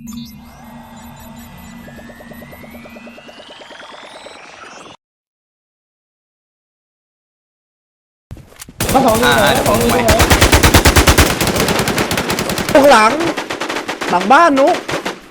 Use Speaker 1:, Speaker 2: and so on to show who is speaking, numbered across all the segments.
Speaker 1: ข้างหลังบ้านนุ๊ก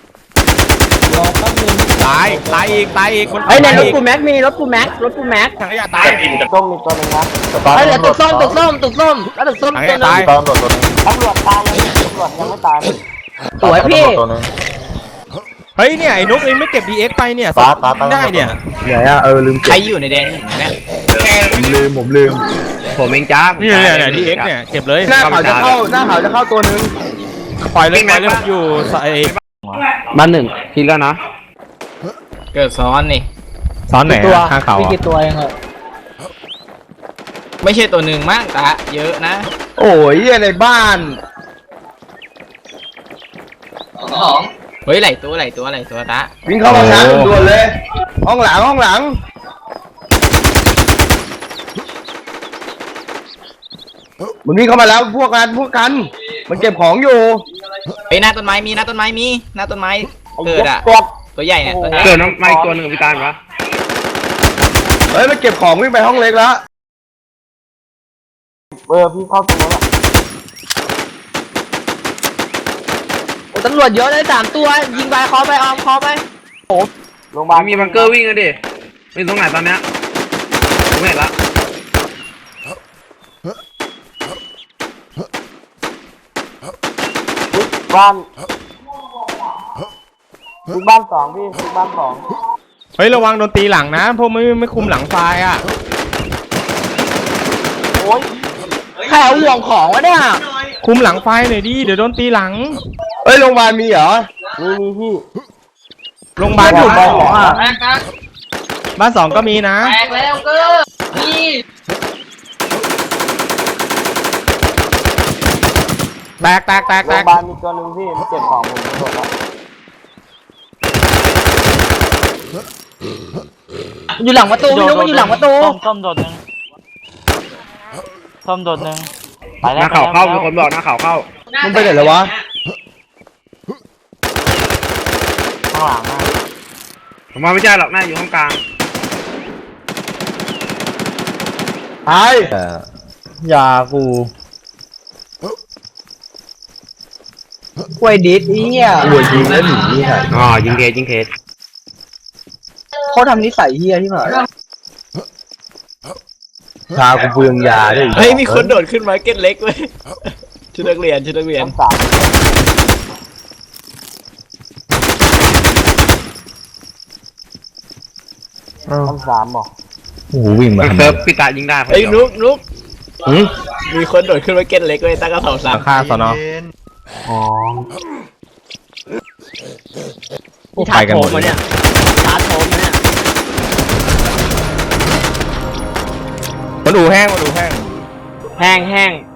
Speaker 2: ตายอีกคน
Speaker 3: ไอ้ในรถกูแม็กมีรถกูแม็ก
Speaker 2: ถังขยะตาย
Speaker 4: ต้มมีตัวนึงนะ
Speaker 3: ไอ้เหลือตึกส้มแล้วตึกส้มตัวนึง
Speaker 2: ถังขยะตาย
Speaker 4: ตำรวจตัวนึงตำรวจตายเลยตำรวจยังไม่ตาย
Speaker 3: สวยพี่
Speaker 4: ตัวนึง
Speaker 2: เฮ้ยเนี่ยไอ้นุ๊กเองไม่เก็บ DX ไปเนี่ยได้เนี่ย
Speaker 1: ไหนอะลืม
Speaker 5: ใครอยู่ในแดงเนี่ย
Speaker 1: ผมลืมผมเองจ้า
Speaker 2: นี่เนี่ย DX เนี่ยเก็บเลย
Speaker 1: หน้าเขาจะเข้าตัวนึง
Speaker 2: ปล่อยเลยอยู่ใส่
Speaker 1: บ้านหนึ่งทีแล้วนะ
Speaker 5: เกิดซ้อนนี่
Speaker 2: ซ้อนไหนข้างเขา
Speaker 3: มีกี่ตัวเองเหรอ
Speaker 5: ไม่ใช่ตัวหนึ่งมั้งตาเยอะนะ
Speaker 1: โอ้ยในบ้าน
Speaker 5: เฮ้ยไหลตัวตา
Speaker 1: วิ่งเข้ามาชาร์จด่วนเลยห้องหลังมันวิ่งเข้ามาแล้วพวกกันมันเก็บของอยู่
Speaker 5: ไปหน้าต้นไม้มีหน้าต้นไม้เกิดอ่ะตัวใหญ่เนี่ย
Speaker 1: เกิดน้ำไม่ตัวหนึ่งพิการวะเฮ้ยมันเก็บของวิ่งไปห้องเล็กแล้ว
Speaker 4: พี่เข้าตัวแล้ว
Speaker 3: ตำรวจเยอะเลย3ตัวยิงไปคอไปออมคอไป
Speaker 4: โรงพยาบาล
Speaker 1: มีบังเกอร์วิ่งกันดิมีตรงไหนตอนเนี้ยไม่เห็นละ
Speaker 4: บ้านบ้านสองพี่บ้านสอง
Speaker 2: เฮ้ยระวังโดนตีหลังนะพวกไม่คุมหลังไฟอ่ะ
Speaker 4: โอ้ย
Speaker 3: ใครเอาห่วงของวะเนี่ย
Speaker 2: คุมหลังไฟหน่อยดิเดี๋ยวโดนตีหลัง
Speaker 1: เฮ้ยโรงพยาบาลมีเหรอ
Speaker 4: มีพี่
Speaker 2: โรงพยาบาล
Speaker 1: บ้านสองอ่ะ
Speaker 2: บ้านสองก็มีนะ
Speaker 3: แตกแล้วเกอนี่
Speaker 2: แตก
Speaker 4: โรงพยาบาลมีตัวนึงพี่มันเก็บของผมหมดแล้ว
Speaker 3: อยู่หลังประตูไม่รู้มันอยู่หลังประตู
Speaker 5: ส้มโดดหนึ่งไป
Speaker 1: ห
Speaker 5: แล้ว
Speaker 1: น้าเขาเข้ามีคนบอกหน้าเขาเข้ามันไปไหนแล้ววะ
Speaker 5: ข้างหลัง
Speaker 1: ผมว่าไม่ใช่หรอกหน้าอยู่ห้องกลางไอ้ยากู
Speaker 3: กล้วยดิสเนี่ย
Speaker 1: รวยยิงแล้วหนีอ๋อยิงเคส
Speaker 3: เขาทำนิสัยเฮียที่ไหน
Speaker 1: ชากูเปลืองยาด้วย
Speaker 5: เฮ้ยมีคนโดดขึ้นมาเก็ตเล็กเว้ยชุดนักเรียน
Speaker 4: สาม สามบอก
Speaker 1: โอ้โหวิ่งมาเซิร์ฟพิตายิงได้
Speaker 5: ไอ้นุ๊กมีคนโดดขึ้นมาเก็ตเล็กเว้ยตั้งกระเป๋า3
Speaker 2: ข้างสนอ
Speaker 4: อ๋อ
Speaker 2: ไปกันหมด
Speaker 3: เนี่ยชาร์จโถมมาเนี่ย
Speaker 2: มันดูแห้ง
Speaker 3: แห้ง